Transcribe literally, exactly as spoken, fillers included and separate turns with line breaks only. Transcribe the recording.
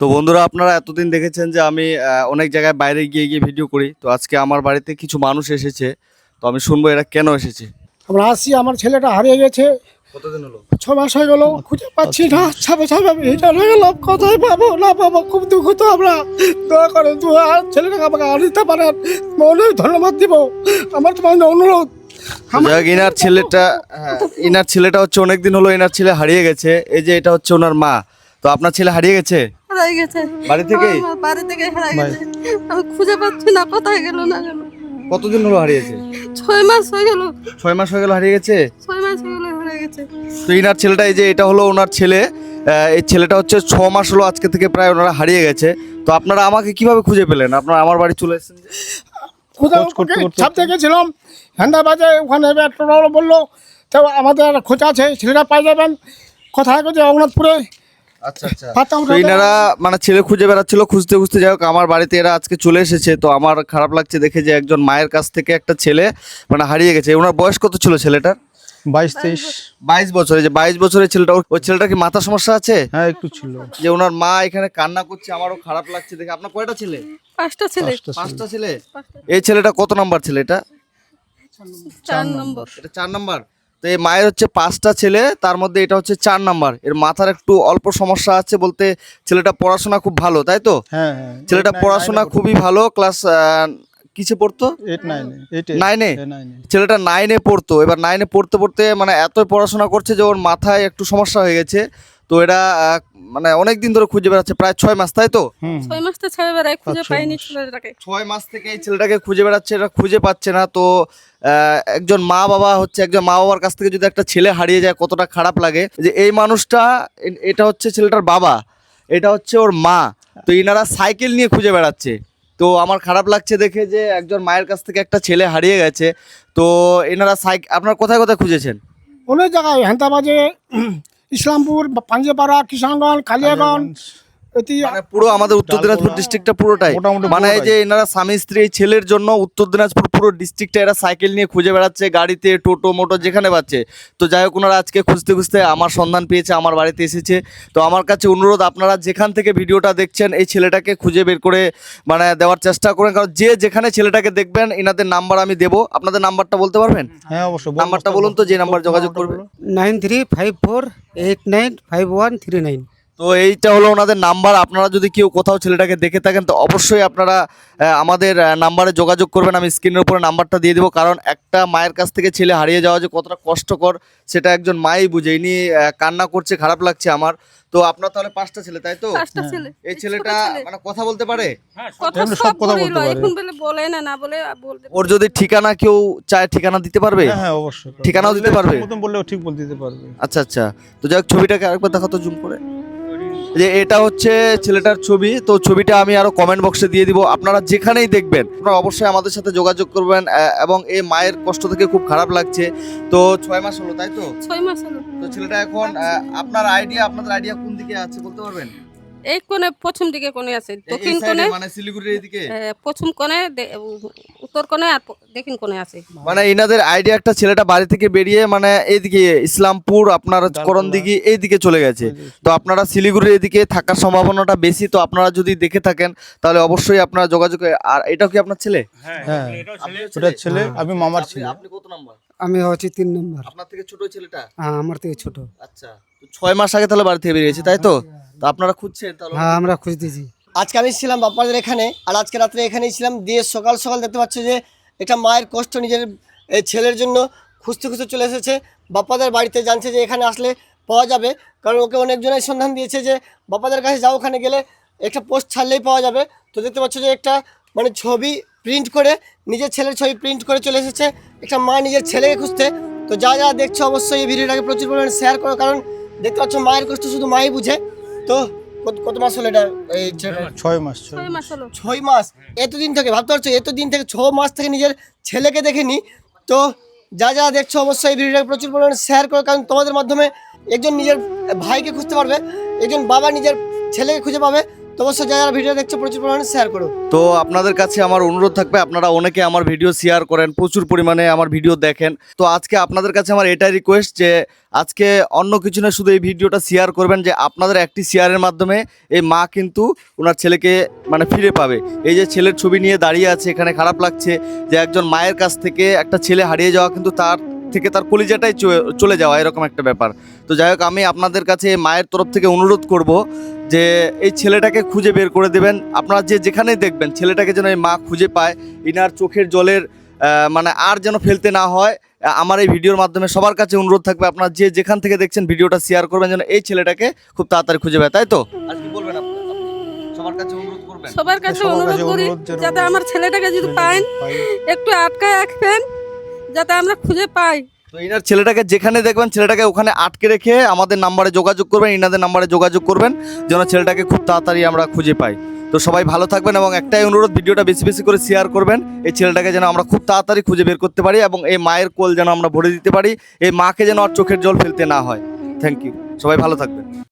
তো বন্ধুরা, আপনারা এতদিন দেখেছেন যে আমি আহ, অনেক জায়গায় বাইরে গিয়ে গিয়ে ভিডিও করি। তো আজকে আমার বাড়িতে কিছু মানুষ এসেছে, তো আমি শুনবো এরা কেন এসেছে।
আমরা আসছি, আমার ছেলেটা হারিয়ে গেছে,
কতদিন হলো?
ছ মাস হয়ে গেল, খুঁজে পাচ্ছি না। ছাপে ছাপে আমি রিটার্ন হয়ে গেলাম, কোথায় পাবো না পাবো খুব দুঃখ। তো আমরা দয়া করে দু আর ছেলেটাকে আমাকে আর দিতে পারেন, অনেক ধন্যবাদ দিব। আমার তোমার অনুরোধ।
যাই হোক, ইনার ছেলেটা হ্যাঁ, ইনার ছেলেটা হচ্ছে অনেকদিন হলো ইনার ছেলে হারিয়ে গেছে। এই যে এটা হচ্ছে ওনার মা। তো আপনার ছেলে হারিয়ে গেছে
হারাই গেছে
বাড়ি থেকেই?
আমার বাড়ি থেকে হারাই গেছে, আমি খুঁজে পাচ্ছি না কোথায় গেল না গেল।
কতদিন হলো হারিয়েছে?
ছয় মাস হয়ে গেল,
ছয় মাস হয়ে গেল হারিয়ে গেছে।
ছয় মাস হয়ে গেল হারাই গেছে।
তো ইনার ছেলেটা, এই যে এটা হলো ওনার ছেলে। আহ, এই ছেলেটা হচ্ছে ছ মাস হলো আজকে থেকে প্রায় ওনারা হারিয়ে গেছে। তো আপনারা আমাকে কিভাবে খুঁজে পেলেন? আপনারা আমার বাড়ি চলে এসেছেন যে?
কোথাও ছাপতে গেছিলাম, হ্যান্ডা বাজে, ওখানে টোটো বললো তো আমাদের খোঁজ আছে, ছেলেটা পাই যাবেন। কোথায় কোথায় রঘুনাথপুরে।
আচ্ছা আচ্ছা।
পাতা
তো
উঠাতে-
এনারা মানে ছেলে খুঁজে বেড়াচ্ছিল, খুঁজতে খুঁজতে যাই হোক আমার বাড়িতে এরা আজকে চলে এসেছে। তো আমার খারাপ লাগছে দেখে যে একজন মায়ের কাছ থেকে একটা ছেলে মানে হারিয়ে গেছে। ওনার বয়স কত ছিল ছেলেটার?
বাইশ তেইশ।
বাইশ বছর। এই যে বাইশ বছরের ছেলেটা, ওই ছেলেটার কি মাথা সমস্যা আছে?
হ্যাঁ একটু ছিল।
যে ওনার মা এখানে কান্না করছে, আমারও খারাপ লাগছে দেখে। আপনার কয়টা ছেলে?
পাঁচটা ছেলে,
পাঁচটা ছিল।
পাঁচটা ছেলে। এই ছেলেটা কত নাম্বার ছেলে? এটা
চার নম্বর।
এটা চার নাম্বার। তো এই মায়ের হচ্ছে পাঁচটা ছেলে, তার মধ্যে এটা হচ্ছে চার নাম্বার। এর মাথার একটু অল্প সমস্যা আছে বলতে, ছেলেটা পড়াশোনা খুব ভালো, তাই তো?
হ্যাঁ হ্যাঁ।
ছেলেটা পড়াশোনা খুবই ভালো। ক্লাস কিসে পড়তো?
এইট নাইনে। এইট
নাইনে?
নাইনে।
ছেলেটা নাইনে পড়তো। এবার নাইনে পড়তে পড়তে মানে এতই পড়াশোনা করছে যে ওর মাথায় একটু সমস্যা হয়ে গেছে। তো এরা আহ, মানে অনেক দিন ধরে খুঁজে বেড়াচ্ছে, প্রায় ছয় মাস, তাই তো?
হুম।
ছয় মাস তো ছেড়ে বেড়াই, খুঁজে
পাঁচ ছয়
পাইনি
মাস।
ছেলেটাকে।
ছয় মাস থেকে এই ছেলেটাকে খুঁজে বেড়াচ্ছে, এরা খুঁজে পাচ্ছে না। তো আহ, একজন মা বাবা হচ্ছে, একজন মা বাবার কাছ থেকে যদি একটা ছেলে হারিয়ে যায় কতটা খারাপ লাগে। যে এই মানুষটা, এ- এটা হচ্ছে ছেলেটার বাবা, এটা হচ্ছে ওর মা। তো ইনারা সাইকেল নিয়ে খুঁজে বেড়াচ্ছে। তো আমার খারাপ লাগছে দেখে যে একজন মায়ের কাছ থেকে একটা ছেলে হারিয়ে গেছে। তো এনারা সাইকেল, আপনার কোথায় কোথায় খুঁজেছেন?
অনেক জায়গায়, হ্যান্ডা বাজে, ইসলামপুর, পাঞ্জেপাড়া, কিষানগঞ্জ, কালিয়াগঞ্জ, এটি
মানে পুরো আমাদের উত্তর দিনাজপুর ডিস্ট্রিক্টটা পুরোটাই,
মোটামুটি
মানে এই
পুরোটাই।
যে এনারা স্বামী স্ত্রী এই ছেলের জন্য উত্তর দিনাজপুর পুরো ডিস্ট্রিক্টটা এরা সাইকেল নিয়ে খুঁজে বেড়াচ্ছে, গাড়িতে, টোটো মোটো যেখানে পাচ্ছে। তো যাই হোক, ওনারা আজকে খুঁজতে খুঁজতে আমার সন্ধান পেয়েছে, আমার বাড়িতে এসেছে। তো আমার কাছে অনুরোধ, আপনারা যেখান থেকে ভিডিওটা দেখছেন এই ছেলেটাকে খুঁজে বের করে মানে দেওয়ার চেষ্টা করেন। কারণ যে যেখানে ছেলেটাকে দেখবেন, এনাদের নাম্বার আমি দেবো। আপনাদের নাম্বারটা বলতে পারবেন?
হ্যাঁ অবশ্যই।
নাম্বারটা বলুন তো, যে নাম্বার যোগাযোগ করবে।
Nine three five four eight nine five one three nine.
তো এইটা হলো ওনাদের নাম্বার। আপনারা যদি কেউ কোথাও ছেলেটাকে দেখে থাকেন তো অবশ্যই আপনারা আহ, আমাদের আহ, নাম্বারে যোগাযোগ করবেন। আমি স্ক্রিনের উপরে নাম্বারটা দিয়ে দেবো। কারণ একটা মায়ের কাছ থেকে ছেলে হারিয়ে যাওয়া যে কতটা কষ্টকর সেটা একজন মাই বুঝে। ইনি আহ, কান্না করছে, খারাপ লাগছে আমার। তো আপনার তাহলে পাঁচটা ছেলে, তাই তো?
পাঁচটা ছেলে।
এই
ছোট
ছেলেটা
ছেলে।
মানে কথা বলতে পারে?
কথা
এমনি
সব
সব কথা
বলেই
বলতে
লয়,
পারে।
এখন বলে বলে না, না বলে বলতে।
ওর যদি ঠিকানা কেউ চায়, ঠিকানা দিতে পারবে?
হ্যাঁ হ্যাঁ অবশ্যই।
ঠিকানাও দিতে পারবে?
মতন বললেও ঠিক বলতে দিতে পারবে।
আচ্ছা আচ্ছা। তো যাই হোক, ছবিটাকে আরেকবার দেখাতো জুম করে। যে এটা হচ্ছে ছেলেটার ছবি। তো ছবিটা আমি আরো কমেন্ট বক্সে দিয়ে দিব। আপনারা যেখানেই দেখবেন আপনারা অবশ্যই আমাদের সাথে যোগাযোগ করবেন। আহ, এবং এই মায়ের কষ্ট থেকে খুব খারাপ লাগছে। তো ছয় মাস হলো, তাই তো?
ছয় মাস হলো।
তো ছেলেটা এখন আহ, আপনার আইডিয়া, আপনাদের আইডিয়া কোন দিকে আছে বলতে পারবেন?
এই কোণে, প্রথম দিকে কোণে আছে,
এই- এই
দক্ষিণ
side এ,
কোণে,
মানে শিলিগুড়ির এদিকে।
এ, প্রথম কোণে, দে- উত্তর কোণে আর প- দক্ষিণ কোণে আছে।
মানে ইনাদের আইডিয়া, একটা ছেলেটা বাড়ি থেকে বেরিয়ে মানে এইদিকে ইসলামপুর, আপনার করণ দিঘি এইদিকে চলে গেছে। তো আপনারা শিলিগুড়ির এদিকে থাকার সম্ভাবনাটা বেশি। তো আপনারা যদি দেখে থাকেন তাহলে অবশ্যই আপনারা যোগাযোগ। আর এটাও কি আপনার ছেলে?
হ্যাঁ
আপনার
ওটা ছেলে, আমি মামার
আপনি-
ছেলে।
আপনি কত নাম্বার?
আমি হচ্ছে তিন নম্বর।
আপনার থেকে ছোট ওই ছেলেটা?
হ্যাঁ আমার থেকে ছোট।
আচ্ছা। তো ছয় মাস আগে তাহলে বাড়ি থেকে বেরিয়েছে, তাই তো? তো আপনারা খুঁজছেন তাহলে?
হ্যাঁ আমরা খুঁজতেছি।
আজকে আমি ছিলাম বাপ্পাদের এখানে, আর আজকে রাত্রে এখানেই ছিলাম। দিয়ে সকাল সকাল দেখতে পাচ্ছ যে একটা মায়ের কষ্ট নিজের এই ছেলের জন্য খুঁজতে খুঁজতে চলে এসেছে বাপ্পাদের বাড়িতে। জানছে যে এখানে আসলে পাওয়া যাবে, কারণ ওকে অনেকজনের সন্ধান দিয়েছে যে বাপ্পাদের কাছে যাও, ওখানে গেলে একটা পোস্ট ছাড়লেই পাওয়া যাবে। তো দেখতে পাচ্ছ যে একটা মানে ছবি প্রিন্ট করে, নিজের ছেলের ছবি প্রিন্ট করে চলে এসেছে একটা মা নিজের ছেলেকে খুঁজতে। তো যা যা দেখছো অবশ্যই এই ভিডিওটাকে প্রচুর পরিমাণে শেয়ার করো, কারণ দেখতে পাচ্ছ মায়ের কষ্ট শুধু মাই বুঝে। তো কত কত মাস হলো এটা এই ছেলেটার?
ছয় মাস। ছয়
ছয় মাস হলো।
ছয় মাস। এতদিন থেকে ভাবতে পারছো, এতদিন থেকে ছ মাস থেকে নিজের ছেলেকে দেখেনি। তো যা যা দেখছো অবশ্যই এই ভিডিওটাকে প্রচুর পরিমাণে শেয়ার করো, কারণ তোমাদের মাধ্যমে একজন নিজের ভাইকে খুঁজতে পারবে, একজন বাবা নিজের ছেলেকে খুঁজে পাবে। তো অবশ্যই যারা যারা ভিডিও দেখছো প্রচুর পরিমাণে শেয়ার করো।
তো আপনাদের কাছে আমার অনুরোধ থাকবে, আপনারা অনেকে আমার ভিডিও শেয়ার করেন, প্রচুর পরিমাণে আমার ভিডিও দেখেন। তো আজকে আপনাদের কাছে আমার এটাই রিকোয়েস্ট যে আজকে অন্য কিছু না, শুধু এই ভিডিওটা শেয়ার করবেন, যে আপনাদের একটি শেয়ারের মাধ্যমে এই মা কিন্তু ওনার ছেলেকে মানে ফিরে পাবে। এই যে ছেলের ছবি নিয়ে দাঁড়িয়ে আছে এখানে, খারাপ লাগছে যে একজন মায়ের কাছ থেকে একটা ছেলে হারিয়ে যাওয়া কিন্তু তার থেকে তার কলিজাটাই চ- চলে যাওয়া, এরকম একটা ব্যাপার। তো যাই হোক, আমি আপনাদের কাছে মায়ের তরফ থেকে অনুরোধ করব যে এই ছেলেটাকে খুঁজে বের করে দেবেন। আপনারা যে যেখানেই দেখবেন ছেলেটাকে যেন এই মা খুঁজে পায়, ইনার চোখের জলের আহ, মানে আর যেন ফেলতে না হয়। আহ, আমার এই ভিডিওর মাধ্যমে সবার কাছে অনুরোধ থাকবে, আপনারা যে যেখান থেকে দেখছেন ভিডিওটা শেয়ার করবেন যেন এই ছেলেটাকে খুব তাড়াতাড়ি খুঁজে পায়, তাই তো? আর কি বলবেন আপনি? আপনি সবার কাছে অনুরোধ করবেন।
সবার কাছে
সবার
অনুরোধ
কাছে
করি
অনুরোধ যেন
যাতে আমার ছেলেটাকে যদি পান
পাই।
একটু আটকায় রাখবেন যাতে আমরা খুঁজে পাই।
তো ইনার ছেলেটাকে যেখানে দেখবেন ছেলেটাকে ওখানে আটকে রেখে আমাদের নাম্বারে যোগাযোগ করবেন, ইনাদের নাম্বারে যোগাযোগ করবেন যেন ছেলেটাকে খুব তাড়াতাড়ি আমরা খুঁজে পাই। তো সবাই ভালো থাকবেন এবং একটাই অনুরোধ, ভিডিওটা বেশি বেশি করে শেয়ার করবেন, এই ছেলেটাকে যেন আমরা খুব তাড়াতাড়ি খুঁজে বের করতে পারি এবং এই মায়ের কোল যেন আমরা ভরে দিতে পারি, এই মাকে যেন আর চোখের জল ফেলতে না হয়। থ্যাংক ইউ, সবাই ভালো থাকবেন।